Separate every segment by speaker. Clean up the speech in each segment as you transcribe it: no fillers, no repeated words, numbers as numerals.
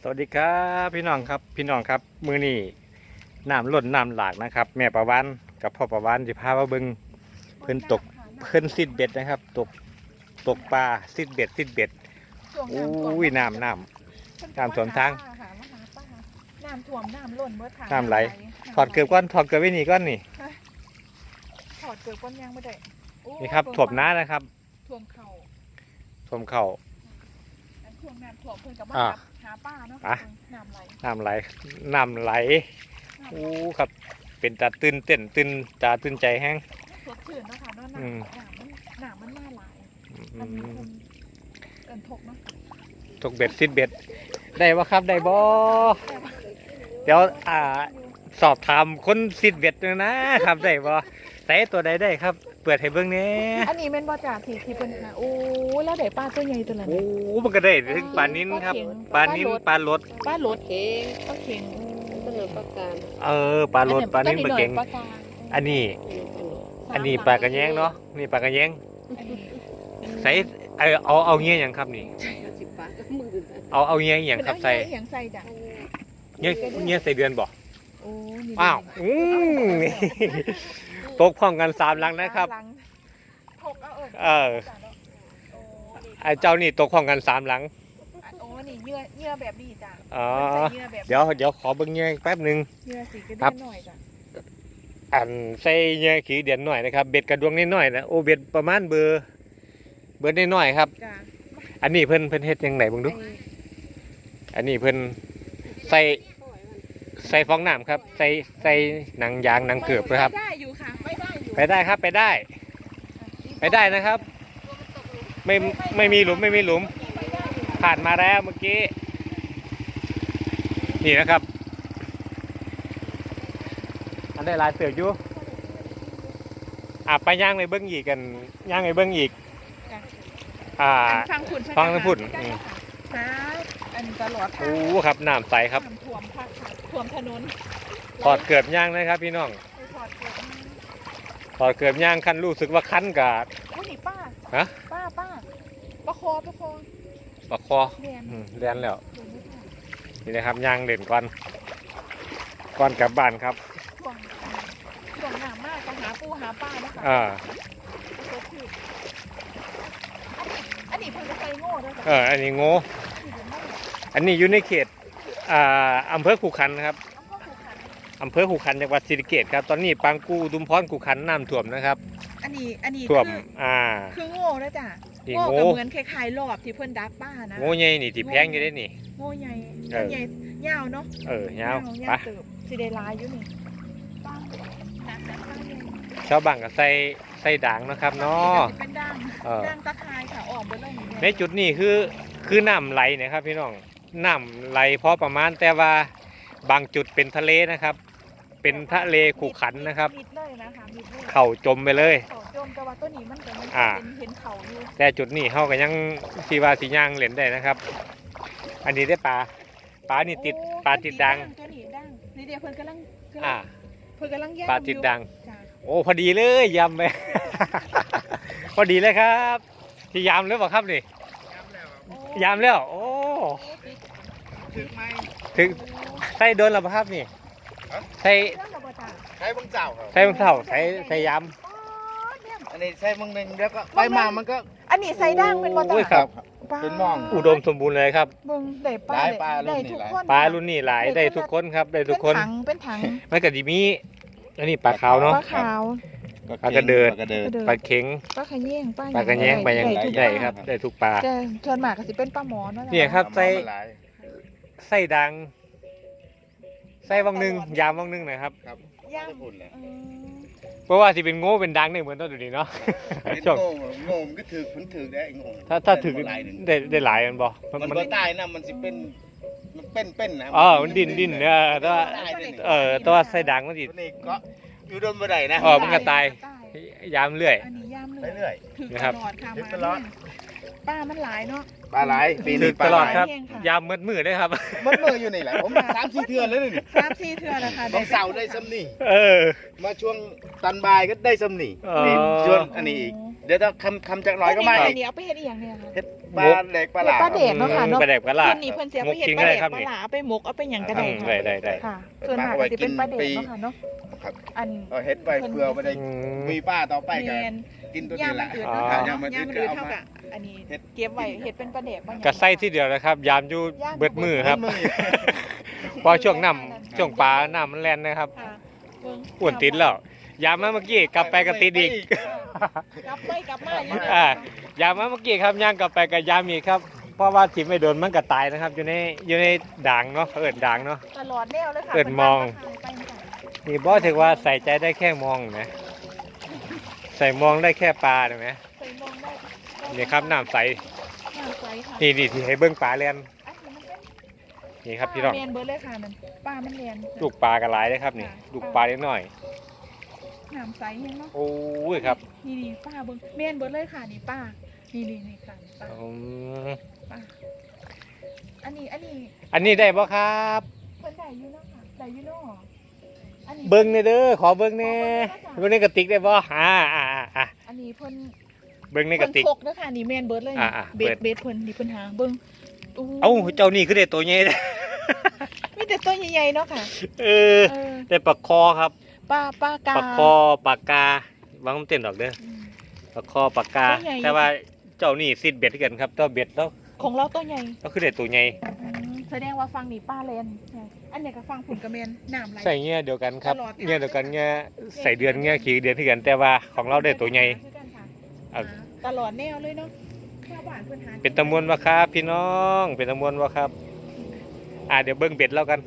Speaker 1: สวัสดีครับพี่น้องครับมื้อนี้น้ำล้นน้ำหลากนะครับแม่ประวันกับพ่อประวันสิพามาเบิ่งเพิ่นตกเพิ่นซิดเบ็ดนะครับตกปลาซิดเบ็ดอุ้ยน้ำสวนทาง
Speaker 2: น้ำท่วมน้ำล้นเบิดค่ะ
Speaker 1: น้ำไหลถอดเกลือก้อนถอดเกลือไว้นี่ก้อนนี่
Speaker 2: ถอดเกลือก้อนยังไม่ได้
Speaker 1: นี่ครับถ่วมน้านะครับ
Speaker 2: ท่วมเข่า
Speaker 1: ท่วมเข่า
Speaker 2: ท่วมน้ำท่วมเพิ่นกับมาหาป้าเนาะน้ำไหลอู้
Speaker 1: ครับเป็นตาตื่นใจแห้ง
Speaker 2: สดชื่นเนาะค่ะเนาะน้ำมันน่าหลายมันมีคนเอิ้นทกเนาะ
Speaker 1: ตกเบ็ดซิดเบ็ดได้บ่ครับได้บ่เดี๋ยวสอบถามคนซิดเบ็ดนะครับได้บ่ใส่ตัวใดได้ครับเปิดให้เบิ่งแหน่
Speaker 2: อันนี้แม่นบ่จ่าที่เพิ่นหาโอ้แล้วได้ปลาตัวใหญ่ตัวนั้น
Speaker 1: โอ้มันก็ได้ถึงปลานิ้นครับปลานิ้นปลาลด
Speaker 2: เข็งปลาเข็ง
Speaker 3: ปลาปลากาง
Speaker 1: ปลาลดปลานิ้นปลาเข็งอันนี้ปลากระแยงเนาะนี่ปลากระแยงใส่เอาเงี้ยอย่างครับนี่เอาเงี้ยอย่างครับใส่
Speaker 2: จ้ะ
Speaker 1: เงี้ยใส่เดือนบ่
Speaker 2: โอ้
Speaker 1: อ้าวตกพร้อมกัน3หลังนะครับไอ้เจ้านี่ตกพร้อมกัน3หลัง
Speaker 2: โอ้นี่เยื่อแบบนี้จ้ะ
Speaker 1: อ๋อเดี๋ยวขอเบิ่งเงี้ยแป๊บนึง
Speaker 2: เยื่อสีกระเดือนหน่อยจ้ะ
Speaker 1: ใส่เงี้ยขี้เดือนหน่อยนะครับเบ็ดกระดวงนิดหน่อยนะโอ้เบ็ดประมาณเบอร์นิดหน่อยครับอันนี้เพิ่นเฮ็ดยังไงบ้างดูอันนี้เพิ่นใส่ฟองน้ำครับใส่หนังยางหนังเกือบนะครับ
Speaker 2: ได้อยู่ค่ะ
Speaker 1: ไปได้ครับไปได้นะครับไม่มีหลุมผ่านมาแล้วเมื่อกี้นี่นะครับอันได้ลายเสืออยู่ไปย่างไปเบิ้งอีกกันย่างไปเบิ้งอีกฟังพุ่น
Speaker 2: อันตลอด
Speaker 1: โอ้ครับน้ำใสครับ
Speaker 2: ท่วมถนน
Speaker 1: ถอดเกือบย่างนะครับพี่น้องถอดเกือบย่างคันรู้สึกว่าคันกาด
Speaker 2: โอ้นี่ป้า
Speaker 1: ฮะ
Speaker 2: ป้าประคอ
Speaker 1: เรียนแล้วนี่นะครับย่างเด่นก่อนกลับบ้านครับ
Speaker 2: ช่วงหนามากก็หาปูหาป้านะคะอันนี้เพิ่งจะใส่โง่ด้วย
Speaker 1: อันนี้โง่อันนี้อยู่ในเขตอำเภอขุขันธ์ครับอำเภอขุขันธ์จังหวัดศรีสะเกษครับตอนนี้ปางกูดุมพรขุขันธ์น้ำท่วมนะครับ
Speaker 2: อันนี้
Speaker 1: ท่วม
Speaker 2: คือโง่นะจ๊ะโง่กับเหมือนคล้ายๆรอบที่เพิ่นดักป้านะ
Speaker 1: โง่ใหญ่นี่ที่แพงอยู่ได้นี่
Speaker 2: โง่ใหญ่ยาวเนาะ
Speaker 1: ยาว
Speaker 2: ปะสิได้ลายอยู่นี่
Speaker 1: ชาวบ้านก็ใส่ด่างนะครับเนาะ
Speaker 2: เป็นด่างตะไคร้ค่ะออกไปเลย
Speaker 1: ในจุดนี้คือน้ำไหลนะครับพี่น้องน้ำไหลพอประมาณแต่ว่าบางจุดเป็นทะเลนะครับเป็นทะเลขุขันนะครับเข่าจมไปเลย
Speaker 2: แต่ว่าตัวนี้มันก็เห็นเข่าอยู่
Speaker 1: แต่จุดนี้เขาก็ยังสีว่าสีย่างเล่นได้นะครับอันนี้ได้ปลานี่ติดปลาติดดัง
Speaker 2: ตัวนี้ดังนี่เดี๋ยวเพิ่นกำลังย่าง
Speaker 1: ปลาติดดังโอ้พอดีเลยยำไป พอดีเลยครับที่ยำหรือเปล่าครับนี่ยำแล้วโอ้ถึงใส่โดนหรือเปล่าครับนี่ใส่
Speaker 3: บางเจ้า
Speaker 1: ใส่ยำ
Speaker 3: อันนี้ใส่บางหนึ่งแล้วก็ไปมามันก็
Speaker 2: อันนี้ใส่ด่างเป็นบ่
Speaker 1: ตา
Speaker 3: เป็นมอง
Speaker 1: อุดมสมบูรณ์เลยครับ
Speaker 2: ได้ปลาทุกคน
Speaker 1: ปลารุ่นนี้หลายได้ทุกคนครับได้ทุกคน
Speaker 2: เป็นถัง
Speaker 1: ไม่กระดิมีอันนี้ปลาขาวเนาะ
Speaker 2: ปลาขาว
Speaker 1: ปลากระเดิดปลาเข็ง
Speaker 2: ปลาขะแยง
Speaker 1: ปลากระแยงไปยังได้ครับได้ทุกปลา
Speaker 2: แต่ส่วนมากก็สิเป็นปลาหมอนั่นแหละ
Speaker 1: เนี่ยครับใส่ดังใส่วังนึงยามวังนึงนะครับ
Speaker 2: ย่าง
Speaker 1: เพราะว่าที่เป็นโง่เป็นดังเนี่ยเหมือนตอนดูดีเนาะ
Speaker 3: โง่มันก็ถือมันถือได้โง่
Speaker 1: ถ้าถือได้หลายมันบ่
Speaker 3: มันบ่ตายนะมันสิเป็นนะ
Speaker 1: มันดินตัวใส่ดังมันสิ
Speaker 3: นี่ก็อยู่โดนบ่ได้นะ
Speaker 1: มันก็ตายยามเรื่อย
Speaker 2: นะครับตลอดป้ามันหลายเนาะ
Speaker 3: ปลาหลาย
Speaker 1: ปีนี้ตลอดครับยามมืดเลยครับ
Speaker 3: มืดอยู่นี่แหละผม3-4 เทื่อแล้วนี่
Speaker 2: 3-4 เทื่อแล้วค่ะ
Speaker 3: ต้องเสาได้ซ้ำนี่มาช่วงตันบายก็ได้ซ้ำนี่ช่วงอันนี้อีกดี๋ยวถ้าคำจากหน่อยก็มา
Speaker 2: อั
Speaker 3: อี
Speaker 2: น
Speaker 3: ก
Speaker 2: นี้เอาไปเฮ็ดอีหยังเนี่ยค่ะ
Speaker 3: เฮ็ดปลาเด็กปลาหลา
Speaker 2: ปลาเด็ก เนาะค่ะเนาะ
Speaker 1: ปลาแดกปลาลา
Speaker 2: เพิ่นนี่เพิ่นเสียไปเฮ็ดปลาเด็กปลาหลาเอาไปหมกเอาไปหยังก็ได้
Speaker 1: ได้
Speaker 2: ค่ะ
Speaker 1: ได้
Speaker 2: ค่ะส่วนมากก็สิเป็นปลาเด็กเนาะค่ะเนาะ
Speaker 3: ครับ
Speaker 2: อัน
Speaker 3: เอาเฮ็ดไปเพื่อไม่ได้
Speaker 1: อืม
Speaker 3: มีป้าต่อไปกัน
Speaker 2: แม่น
Speaker 3: กินตัว
Speaker 2: ย่า
Speaker 3: นี้
Speaker 2: ม
Speaker 3: แห
Speaker 2: มั
Speaker 3: ละ
Speaker 2: นอืด
Speaker 1: อ๋อ
Speaker 2: เนาะค่ะ
Speaker 3: ย่ามมัน
Speaker 2: ย่าม
Speaker 3: อื
Speaker 2: มัน
Speaker 3: ด
Speaker 2: อืด
Speaker 3: เอา
Speaker 2: เท่า
Speaker 3: มา
Speaker 2: กับอันนี้
Speaker 3: เฮ็ด
Speaker 2: เก็บไว้เฮ็ดเป็นปลาเด็กบางอย่าง
Speaker 1: กระไส้ที่เดียวนะครับ ยามอยู่เบิดมือครับ
Speaker 3: มือ
Speaker 1: พอช่วงน้ำช่วงปลาน้ำมันแล่นนะครับ
Speaker 2: ค่ะเบิ่ง
Speaker 1: อ้วนติดแล้วยามมาเมื่อกี้กลับไปก็ติดอีก
Speaker 2: กลับไปกลับมาอยู่
Speaker 1: อ่ายามมาเมื่อกี้ครับย่างกลับไปกับยามอีกครับ เพราะว่าทิ่ไม่โดนมันก็ตายนะครับ อยู่ในด่างเนาะเขาเอิดด่างเนาะ
Speaker 2: ตลอดแนวเลยค่ะ
Speaker 1: เอิ้นมอง
Speaker 2: ไปไหน
Speaker 1: นี่บอสถือว่าใส่ใจได้แค่มองนะใส่มองได้แค่ปลาเห็นไหม
Speaker 2: ใส่มองได้
Speaker 1: นี่ครับน้ำใส
Speaker 2: น้ำใสค่ะ
Speaker 1: นี่ที่ให้เบิ้งปลาเลียน
Speaker 2: อันนี้มันเป็น
Speaker 1: นี่ครับพี่น้อง
Speaker 2: ปลาเรียนเบิร์ดเลยค่ะนั่นปลามันเรียน
Speaker 1: ลูกปลากระไรเลยครับนี่ลูกปลาเล็กน้อย
Speaker 2: น้ำใสเห็นเนาะ
Speaker 1: โอ้ยครับ
Speaker 2: นี่ป้าเบิร์ดเรียนเบิร์ดเลยค่ะนี่ป้านี่ค่ะป้า
Speaker 1: อืม
Speaker 2: ป้าอันนี้
Speaker 1: อันนี้ได้บ่ครับ
Speaker 2: เพิ่นได้อยู่เนาะค่ะได้อยู่เนาะอันนี้
Speaker 1: เบิ้งเนี่ยเด้อขอเบิ้งเนี่ยเบิ้งในกระติกได้บ่อ่า
Speaker 2: อันนี้เพิ่น
Speaker 1: เบิ้งในกระติก
Speaker 2: เพิ่นพกเด้อค่ะนี่แม่นเบิร์ดเลยนี่
Speaker 1: อ่า
Speaker 2: เบ
Speaker 1: เบิ
Speaker 2: ส
Speaker 1: ด
Speaker 2: เบสเพิ่นนี่เพิ่นหาเบิ่งโ
Speaker 1: เอ้าเจ้านี่คือได้ตัวใหญ่เด้อ
Speaker 2: มีแต่ตัวใหญ่ๆเนาะค่ะ
Speaker 1: เออ
Speaker 2: เออ
Speaker 1: ได้ปลาคอครับ
Speaker 2: ปลากา
Speaker 1: ปลาคอปลากาวางมันเต้นดอกเด้อ
Speaker 2: อืม
Speaker 1: ปลาคอปลากา
Speaker 2: ตัวใหญ่
Speaker 1: แต่ว่าเจ้านี่ซิดเบ็ดกันครับเจ้าเบ็ดแล้ว
Speaker 2: ของเราตัวใหญ่
Speaker 1: ก็คือได้ตัวใหญ่
Speaker 2: แสดงว่าฟังนี่ป้าเลนอันเนี้ยก็ฟังผุนกระเมนน้ำไหล
Speaker 1: ใส่เงี้ยเดียวกันครับ
Speaker 2: ตลอด
Speaker 1: เงี้ยเดียวกันเงี้ยใส่เดือนเงี้ยขี่เดือนที่กัน แต่ว่าของเราได้ตัวใหญ่ เอา
Speaker 2: ตลอดแนวเลยเนาะชาวบ้านเพิ่นหา
Speaker 1: เป็นตะมวนวะครับพี่น้องเป็นตะมวนวะครับเดี๋ยวเบิ้งเบ็ดแล้วกัน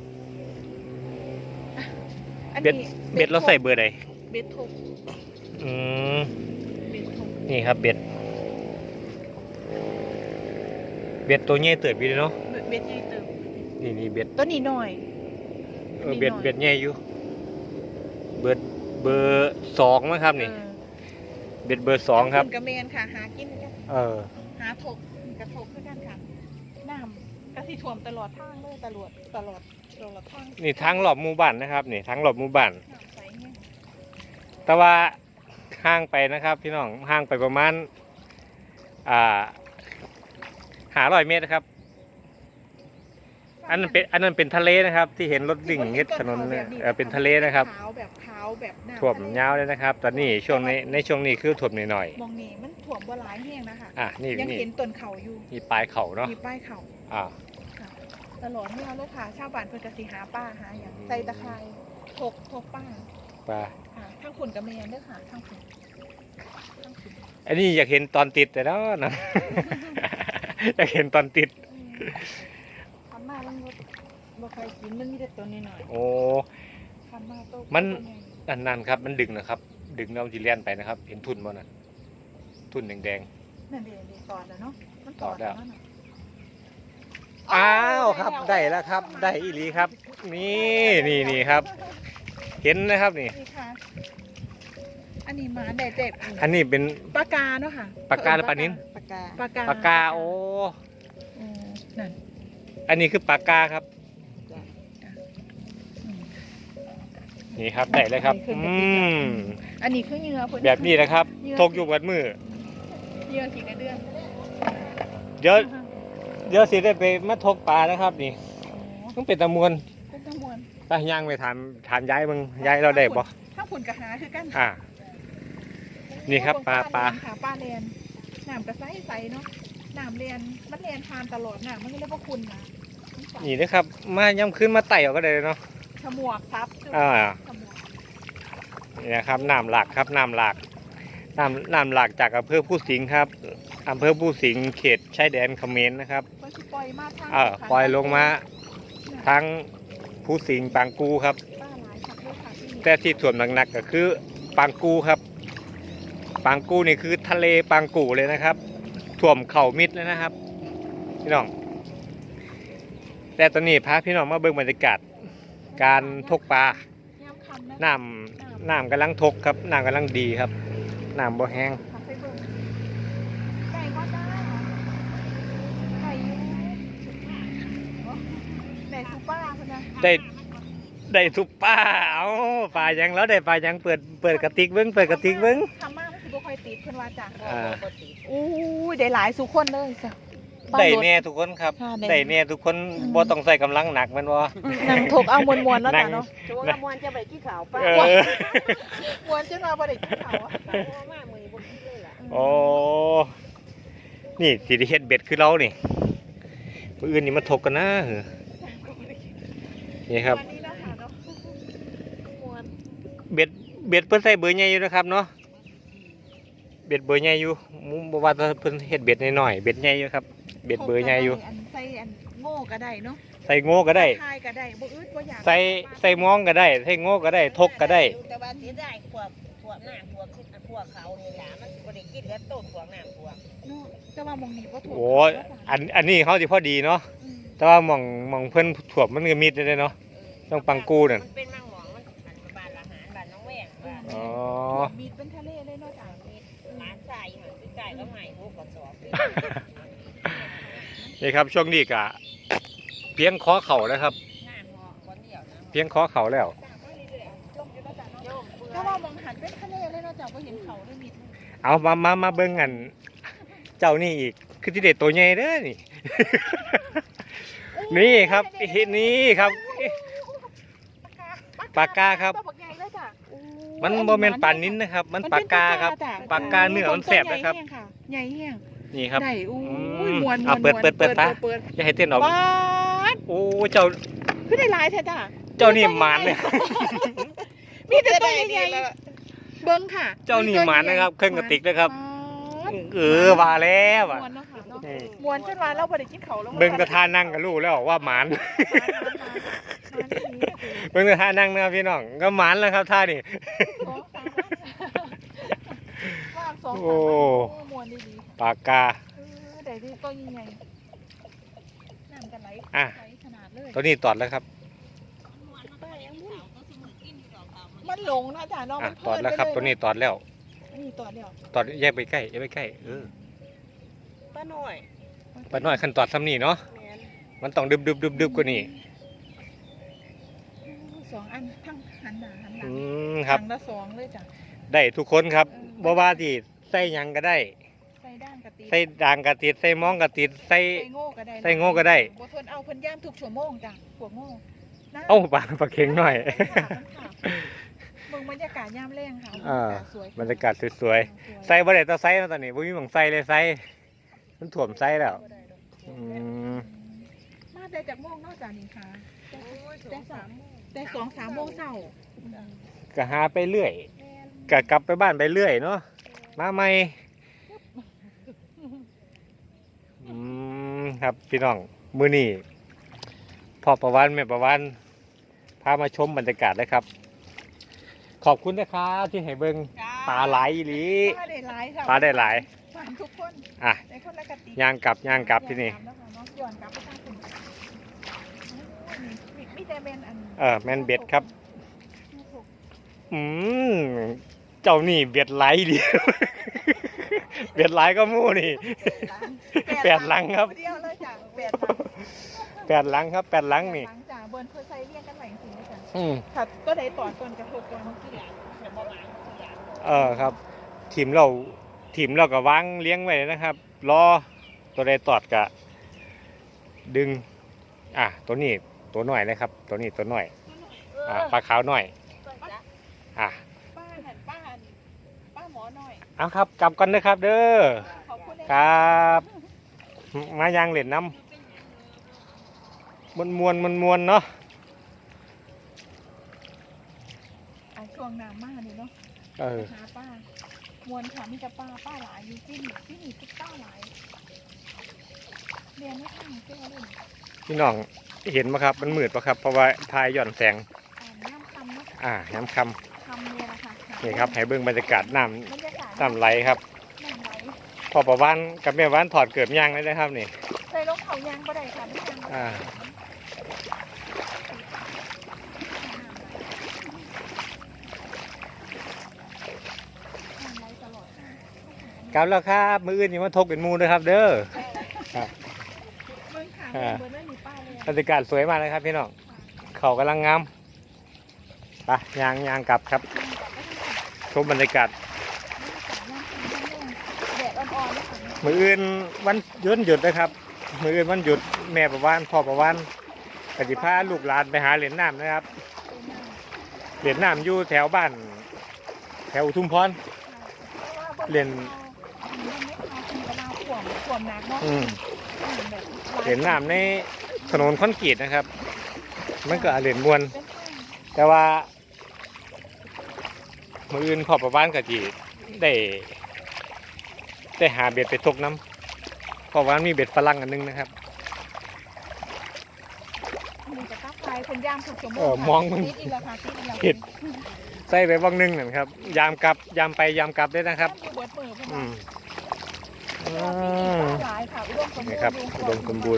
Speaker 2: อัน
Speaker 1: เบ็ด
Speaker 2: นี้
Speaker 1: เบ็ดเราใส่เบอร์ใด
Speaker 2: เบ็ดทก
Speaker 1: อืม
Speaker 2: เบ็ดทก
Speaker 1: นี่ครับเบ็ดเบ็ดตัวใหญ่เติบอยู่เนาะ
Speaker 2: เบ็ดใหญ่เติม
Speaker 1: นี่เบ็ด
Speaker 2: ตัวนี้หน่อย
Speaker 1: เบ็ด
Speaker 2: นิดหน่อย
Speaker 1: เบ็ดใหญ่อยู่เบอร์สองมั้งครับนี่
Speaker 2: เออ
Speaker 1: เบ็ดเบอร์สองครับ
Speaker 2: ผุนกระเมนค่ะหากินกัน
Speaker 1: เออ
Speaker 2: หาทกกระทกคือกันค่ะน้ำกระสิท่วมตลอดทางเลยตลอดทาง
Speaker 1: นี่ทั้งรอบหมู่บ้านนะครับนี่ทั้งรอบหมู่บ้าน
Speaker 2: น้ำใสเนี่ย
Speaker 1: แต่ว่าห่างไปนะครับพี่น้องห่างไปประมาณ500 เมตรนะครับ อันนั้นเป็นทะเลนะครับ ที่เห็นรถวิ่งเฮ็ดถนนเนี่ยเป็นทะเลนะครับ
Speaker 2: ขาวแบบขาวแบบน้ำ
Speaker 1: ท่วม
Speaker 2: ทะเล
Speaker 1: ยาวเลยนะครับ ตอนนี้ช่วงในช่วงนี้คือท่วมหน่อย
Speaker 2: มองนี่มันถ่วมบ่หลายแห้งนะคะ
Speaker 1: นี่
Speaker 2: ยัง
Speaker 1: นี่
Speaker 2: เห็นต้นเขาอยู่
Speaker 1: มีปลายเขาเนาะ
Speaker 2: มีป้ายเขา
Speaker 1: อ่า
Speaker 2: ค่ะตลอดเมื่อเลยค่ะ ชาวบ้านเพิ่นก็สิหาป้าหาอย่างใส่ตะไคร้ทกป้า
Speaker 1: ปลา
Speaker 2: ค่ะทั้งขุนกับแมนเด้อค่ะทั้งขุน
Speaker 1: อันนี้อยากเห็นตอนติดแต่แล้วนะ อยากเห็นตอนติด
Speaker 2: ทำมาแล้วบ่ใครกินมันมีแต่ตัวน้อย
Speaker 1: โอ้
Speaker 2: ๆทำมาโต
Speaker 1: มัน
Speaker 2: ตัวใหญ่
Speaker 1: นั่นครับมันดึงนะครับ ดึงแล้วมันจะเลียนไปนะครับ เห็นทุ่นบ่นั่นทุ่นแดง
Speaker 2: นั่นเด้ตอดแล้วเนาะมัน
Speaker 1: ตอดแล้ว
Speaker 2: น่ะ
Speaker 1: ๆอ้าวครับได้แล้วครับ ได้อีหลีครับ นี่ครับ เห็นนะครับนี่
Speaker 2: นี่ค่ะ อันนี้หมาได้เจ็บ
Speaker 1: อันนี้เป็น
Speaker 2: ปลากาเนาะค่ะ
Speaker 1: ปลากาหรือปลานิ้น
Speaker 2: ปลากาปลากา
Speaker 1: ปลากาโอ้
Speaker 2: นั่น
Speaker 1: อันนี้คือปลากาครับ
Speaker 2: อืม
Speaker 1: นี่ครับได้เลยครับ
Speaker 2: อันนี้คือเหยื่อเพิ่น
Speaker 1: แบบนี้นะครับทกอยู่กับมือ
Speaker 2: เหยื่อกี่กระเดือน
Speaker 1: เดี๋ยวสิได้ไปมาทกปลานะครับ นี่ต้องเป็นตะมวน
Speaker 2: เป็นตะมวน
Speaker 1: ตาย่างไปถามยายมึงยายเราได้บ่
Speaker 2: ถ้าผุนกระหาคือกัน
Speaker 1: นี่ครับปลา
Speaker 2: ค่ะปลาแลนน้ำกระใสใสเนาะน้ำเรียนมันเรียนทานตลอดน้ำมันก็เรียกว่าคุณนะ
Speaker 1: นี่นะครับ มาย้ำขึ้นมาไต่เอาก็ได้เนาะ
Speaker 2: ฉมวกครับ ฉมวก
Speaker 1: นี่นะครับน้ำหลากครับน้ำหลากน้ำหลากจากอำเภอผู้สิงห์ครับอำเภอผู้สิงห์เขตชายแดนเขมรนะครับ
Speaker 2: มันสิปล่อยมาทาง
Speaker 1: ปล่อยลงมาทั้งผู้สิงห์ปางกูครับ
Speaker 2: ปลาหลายครับด้วยค่ะที่นี่
Speaker 1: แต่ที่ถ่วมหนักๆก็คือปางกูครับปางกูนี่คือทะเลปางกูเลยนะครับถ่วมเข่ามิดเลยนะครับพี่น้องแต่ตอนนี้พาพี่น้องมาเบิ่งบรรยากาศการทกปลา
Speaker 2: ยามคำนะ
Speaker 1: น้ำกำลังทกครับน้ำกำลังดีครับน้ำบ่แห้ง
Speaker 2: ขับไปเบิ่งไก่ก็ได้ไก่อยู่ไหนซูป้าคนนะ
Speaker 1: ได้ทุกปลาเอาปลายังแล้วได้ปลายังเปิดกระติกเบิ้ง
Speaker 2: ทำมากมันสิบ่ค่อยติดเพิ่นว่าจ้ะ
Speaker 1: อ่า
Speaker 2: อู้ยได้หลายสุคนเลยจ้ะบ้า
Speaker 1: ได้
Speaker 2: รถ
Speaker 1: แน่ทุกคนครับ
Speaker 2: ค่ะได้
Speaker 1: ได้แน่ทุกคนบ่ต้องใส่กำลังหนักแมันบ่
Speaker 2: นั่งถกเอามวนๆเนาะ
Speaker 1: นั่
Speaker 2: จ้ะ
Speaker 1: ง
Speaker 2: เนาะ
Speaker 4: โจ้ละมวนจะไปกี่ข่าวป้า
Speaker 1: เออ
Speaker 2: มวนจนว่าบ่ได้กินข้าวอะ
Speaker 4: มากมือบนที่เลยล่ะ
Speaker 1: โอ้นี่สิได้เฮ็ดเบ็ดคือเรานี่มื้ออื่นนี่มาถกกันนะเหรอนี่ครับ
Speaker 2: วันนี้เนาะค่ะเนาะมวน
Speaker 1: เบ็ดเพิ่นใส่เบอร์ใหญ่อยู่นะครับเนาะเบ็ดเบอร์ใหญ่อยู่มุมบ่ว่าแต่เพิ่นเฮ็ดเบ็ดน้อยๆเบ็ดใหญ่อยู่ครับเบ็ดเบอร์ใหญ่อยู่
Speaker 2: อันใส่อันโง่ก็ได้เนาะ
Speaker 1: ใส่โง่ก็ได้
Speaker 2: ทายก็ได้บ่อึดบ่อยาก
Speaker 1: ใส่มองก็ได้ใส่โง่ก็ได้ทกก็ได้
Speaker 4: แต่ว่าเสียดายพวกน้ำพวกเขานี่ล่ะมันบ่ได้กินแล้วต้นพวกน้ำพวก
Speaker 2: เนาะแต่ว่าหมองนี้บ่ถูก
Speaker 1: โอ้ยอันนี้เขาสิพอดีเนาะแต่ว่าหมองเพิ่นถ่วมมันก็มิดได้เนาะ ต้องปังกูนั่น
Speaker 4: มันเป็นมังหมองมันอันบ้านละหารบ้านน้องแวงบ้าน
Speaker 1: อ๋อ
Speaker 2: มีดเป็นทะเลเลยเนาะจ้ะ
Speaker 4: มีร้านทรายหันไปใกล้ก็ใหม่พวกกระสอบ
Speaker 1: นี่ครับช่วงนี้ก็เพียงขอเข่าแล้วครับ
Speaker 4: งานเหาะคนเดียวนะ
Speaker 1: เพียงขอเข่าแล้ว
Speaker 2: ลงอยู่เนาะจ้ะเนาะ
Speaker 4: โยมเพื่อ
Speaker 2: ถ้าว่ามองหันเป็นทะเลเลยเนาะจ้ะบ่เห็นเขาเลยมีดเลย
Speaker 1: เอามาเบิ่งกัน เจ้านี่อีกคือที่เด็ดตัวใหญ่เด้อนี่ นี่ครับนี่ครับ ปากกาครับ
Speaker 2: ตัวบักใหญ่เลยจ้ะโอ้ย
Speaker 1: มันโมเมนปานนิ้นนะครับ มันปากกาครับ
Speaker 2: จ้ะ
Speaker 1: ปากกาเนื้อมันแสบนะครับ
Speaker 2: ใหญ่แห้ง
Speaker 1: นี่ครับ
Speaker 2: ได้โอ้
Speaker 1: อื
Speaker 2: ย
Speaker 1: ม
Speaker 2: มวน
Speaker 1: เอาเปิดตา
Speaker 2: เปิด
Speaker 1: อย่าให้เต้นออก
Speaker 2: ว้าด
Speaker 1: โอ้เจ้า
Speaker 2: คือได้หลายแท้จ้ะ
Speaker 1: เจ้านี่หมานเลย
Speaker 2: มีแต่ตัวใหญ่ๆเบิ้งค่ะ
Speaker 1: เจ้านี่หมานนะครับเครื่องกระติกนะครับ
Speaker 2: ป๊าด
Speaker 1: ว่าแล้วอ่ะ
Speaker 2: มวนเนาะค่ะเนาะ
Speaker 1: นี่
Speaker 2: มวนจนว่าเราบ่ได้กินเขาวแล้ว
Speaker 1: เบิ่งกระทานั่งกับลูกแล้วว่าหมาน เบิ่งกระทานั่งนะครับพี่น้องก็หมานแล้วครับท่านี่
Speaker 2: ว่างสอง
Speaker 1: โอ้
Speaker 2: สามวันมวนดี
Speaker 1: ปากกา
Speaker 2: ๆได้ดีตัวใหญ่ๆน้ำกันไหล
Speaker 1: อ่ะ
Speaker 2: ไหลขนาดเลย
Speaker 1: ตัวนี้ตอดแล้วครับ
Speaker 2: มันหลงนะจ้ะน้อง
Speaker 1: อ่ะ
Speaker 2: มัน
Speaker 1: ตอดแล้วครับ ตัวนี้ตอดแล้ว
Speaker 2: นี่ตอดเดียว
Speaker 1: ตอดแยกไปใกล้แยกไปใกล้
Speaker 4: ป้าหน่อย
Speaker 1: ปาน้อยขั้นตอดซ้ำนี่เนาะ
Speaker 4: แม่น
Speaker 1: มันต้องดึบกว่านี้
Speaker 2: สองอันทั้งหันหน้าหันหลั
Speaker 1: อื
Speaker 2: ง
Speaker 1: มครับ
Speaker 2: หันละสองเลยจ้ะ
Speaker 1: ได้ทุกคนครับบ่ว่าที่ใส่หยังก็ได้
Speaker 2: ใส่ด้านกะติ
Speaker 1: ใส่ด่างก็ติดใส่มองก็ติดใส่
Speaker 2: ใส่โง่ก็ได้
Speaker 1: ใส่โง่ก็ได้
Speaker 2: บ่ทนเอาเพิ่นย่ามทุกชั่วโมงจ้ะพวกโง่นะ
Speaker 1: เอ้าปลาเข็งหน่อย
Speaker 2: มึงบรรยากาศยามแรงค่ะ
Speaker 1: อ่า
Speaker 2: สวย
Speaker 1: บรรยากาศสวยๆใส่บ่ได้ต้องใส่แล้วตอนนี้บ่มีหม่องใส่เลยใส่มันถ่วมใส่แล้วอืม
Speaker 2: มาได้จากโมงนอกจากนี้ค่ะ
Speaker 4: โอ้ย
Speaker 2: แต่
Speaker 4: สามโมง
Speaker 2: แต่2-3 โมงเช้า
Speaker 1: ก็หาไปเรื่อยก็กลับไปบ้านไปเรื่อยเนาะมาใหม่ครับพี่น้องมื้อนี้พ่อประวันแม่ประวันพามาชมบรรยากาศเลยครับ ขอบคุณนะครับที่ให้เบิ่งปลาไหลอีหลี
Speaker 2: ปลาได้หลายค่ะ
Speaker 1: ปลาได้หลาย
Speaker 2: ฝากทุกคน
Speaker 1: อ่ะ
Speaker 2: ในคนละกติ
Speaker 1: ย่างกลับที่นี่
Speaker 2: ย้อนกลับไปทางคุณมีแต่แมนอัน
Speaker 1: แม่นเบ็ดครับ อืมเจ้านี่เบ็ดไหลดี เบ็ดไหลก็มู่นี่ แปดหลังครับ
Speaker 2: เดียวเลยจ้ะ8
Speaker 1: แปดหลังครับแปดหลังนี่
Speaker 2: หลังจ้ะเบิร์นเคยใส่เรียงกันไหลจริงๆจ้ะ
Speaker 1: อืม
Speaker 2: ค่ะก็ได้ต่อก่อนกระทบก่อนเมื่อกี้แหละ
Speaker 4: แต่บ่หลายเสีย
Speaker 1: ครับทีมเราก็วางเลี้ยงไว้นะครับ รอตัวใดตอดกะ ดึง ตัวนี้ตัวหน่อยนะครับ ตัวนี้ตัวหน่อย ปลาขาวหน่อย อ่ะ
Speaker 2: ป้าหมอหน่อย
Speaker 1: เอาครับกลับกันนะครับเด้อ
Speaker 2: ขอบคุณ
Speaker 1: ครับ มายางเหรียญน้ำมวนเนาะ
Speaker 2: ช่วงน้ำมากเลยเนาะ หาป้ามวนค่ะมีแต่ป้าหลายอยู่ที่นี่ทุกป้าหลายเรียนไม่ทันเจ้าเล่น
Speaker 1: พี่น้องเห็นไหมครับ มันมืดปะครับ เพราะว่าทายหย่อนแสง
Speaker 2: น้ำคำเนาะ
Speaker 1: น้ำค
Speaker 2: คำเนี่ยนะคะ
Speaker 1: ำนี่ครับให้เบิ่งบรรยากาศน้
Speaker 2: บรรยากาศ
Speaker 1: ำน้ำไหลครับ
Speaker 2: น้ำไหล
Speaker 1: พอประวันกับแม่วันถอดเกือบยางเลยนะครับนี่
Speaker 2: ใส่รองเท้ายางก็ได้ค่ะไม่ยาง
Speaker 1: อ่า
Speaker 2: น้ำไหลตลอด
Speaker 1: กลับแล้วครับมืออื่นนี่มาทกเป็นหมูนะครับ เด้อ ครับ
Speaker 2: เมืองขางเมืองไม่มีป้าเลย
Speaker 1: บรรยากาศสวยมากเลยครับพี่น้องเขากำลังงามไปยางกลับครับชมบรรยากาศมื้ออื่นวันหยุดนะครับมื้ออื่นวันหยุดแม่ประวานพ่อประวานก็สิพาลูกหลานไปหาเหรียญน้ำนะครับเหรียญน้ำอยู่แถวบ้านแถวอุทุมพร เรียน
Speaker 2: ขวมหนักเนาะ
Speaker 1: เหรียญน้ำในถนนคอนกรีตนะครับ มันก็เหรียญมวลแต่ว่ามื้ออื่นพ่อประวานก็สิได้หาเบ็ดไปตกน้ำเพราะว่ามีเบ็ดฝรั่งอันนึงนะครับ
Speaker 2: มีแต่ตับไทยคนย่างถูกชั่วโมง
Speaker 1: มองมัน
Speaker 2: ติดอีกแล้วค่ะติดอีกแล้ว
Speaker 1: ผิด ใส่ไปว่างนึงนั่นครับยามกลับยามไปยามกลับได้นะครับ
Speaker 2: อยู่เบิดมือเพิ่น
Speaker 1: อื
Speaker 2: ว่าม หลายค่ะอุดมสมบูรณ์
Speaker 1: นี่ครับอุดมสมบูรณ์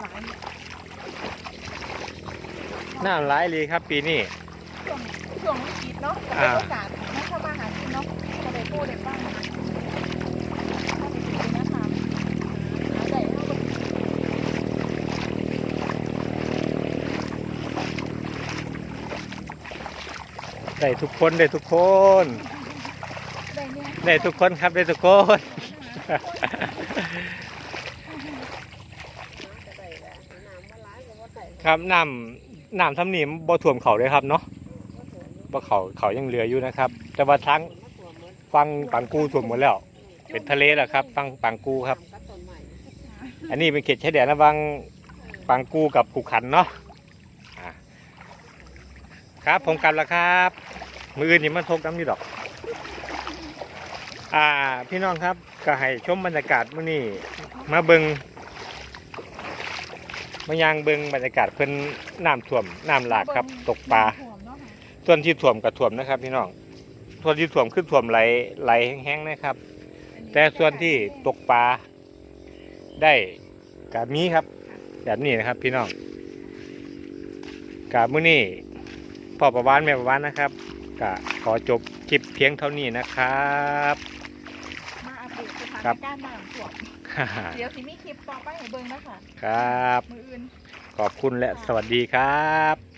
Speaker 1: น้ำหลายเลยครับปีนี้
Speaker 2: ช่วงวิกฤตเนาะจะเป็นโอกาสให้เข้ามาหากินเนาะจะได้กู้ได้บ้างนะคะหาได้เท่ากับ
Speaker 1: ได้ทุกคนได้ทุกคน
Speaker 2: ได้เนี่ย
Speaker 1: ได้ทุกคนครับได้ทุกคน ครับน้ำทำนี่บ่ท่วมเขาเลยครับเนาะบ่เขายังเหลืออยู่นะครับ แต่ว่าทั้งฟังปังกูท่วมหมดแล้ว เป็นทะเลแล้วครับฟังปังกูครับ อันนี้เป็นเขตชายแดนระหว่างปังกูกับขุขันเนาะอ่าครับผมกลับแล้วครับมืออื่นนี่มันทกน้ำอยู่ดอกพี่น้องครับก็ให้ชมบรรยากาศมื้อนี้มาเบิงมายังเบิงบรรยากาศเพิ่นน้ำท่วมน้ำหลากครับตกปลาส่วนที่ท่วมก็ท่วมนะครับพี่น้องส่วนที่ท่วมคือท่วมไหลแห้งๆนะครับ แต่ส่วนที่ตกปลาได้กะมีครับแบบนี้นะครับพี่น้องกะมื้อนี้พ่อประวานแม่ประวานนะครับกะขอจบคลิปเพียงเท่านี้นะครับ
Speaker 2: มาอัปเดตสถานการณ์น้ำท่วมเดี๋ยวสิมีคลิปต่อไปให้เบิ่งนะคะ
Speaker 1: ครับ
Speaker 2: มืออื่น
Speaker 1: ขอบคุณและสวัสดีครับ